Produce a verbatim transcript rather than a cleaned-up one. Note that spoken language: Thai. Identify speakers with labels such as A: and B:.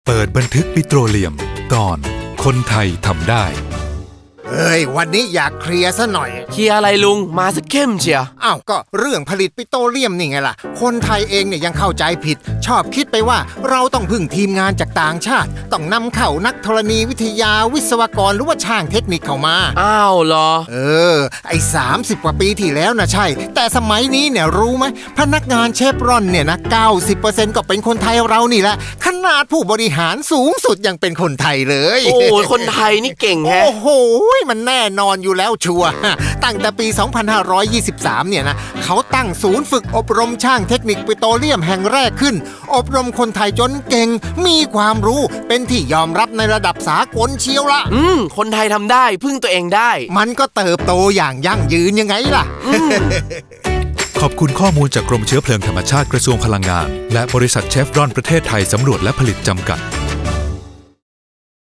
A: เปิดบันทึกปิโตรเลียมตอนคนไทยทำได้
B: เอ้ยวันนี้อยากเคลียร์ซะหน่อย
C: เคลียร์อะไรลุงมาสักเข้มเชียว
B: อ้าวก็เรื่องผลิตปิโตรเลียมนี่ไงล่ะคนไทยเองเนี่ยยังเข้าใจผิดชอบคิดไปว่าเราต้องพึ่งทีมงานจากต่างชาติต้องนำเข้านักธรณีวิทยาวิศวกรหรือว่าช่างเทคนิคเข้ามา
C: อ้าวเหรอ
B: เออไอ้สามสิบกว่าปีที่แล้วนะใช่แต่สมัยนี้เนี่ยรู้ไหมพนักงานเชฟรอนเนี่ยนะ เก้าสิบเปอร์เซ็นต์ ก็เป็นคนไทยเรานี่แหละขนาดผู้บริหารสูงสุดยังเป็นคนไทยเลย
C: โอ้คนไทยนี่เก่งแฮะ
B: โอ้โหมันแน่นอนอยู่แล้วชัวร์ตั้งแต่ปี สองพันห้าร้อยยี่สิบสาม เนี่ยนะเขาตั้งศูนย์ฝึกอบรมช่างเทคนิคปิโตรเลียมแห่งแรกขึ้นอบรมคนไทยจนเก่งมีความรู้เป็นที่ยอมรับในระดับสากลเชียวละ
C: อืมคนไทยทำได้พึ่งตัวเองได้
B: มันก็เติบโตอย่างยั่งยืนยังไงล่ะ
A: ขอบคุณข้อมูลจากกรมเชื้อเพลิงธรรมชาติกระทรวงพลังงานและบริษัทเชฟรอนประเทศไทยสำรวจและผลิตจำกัด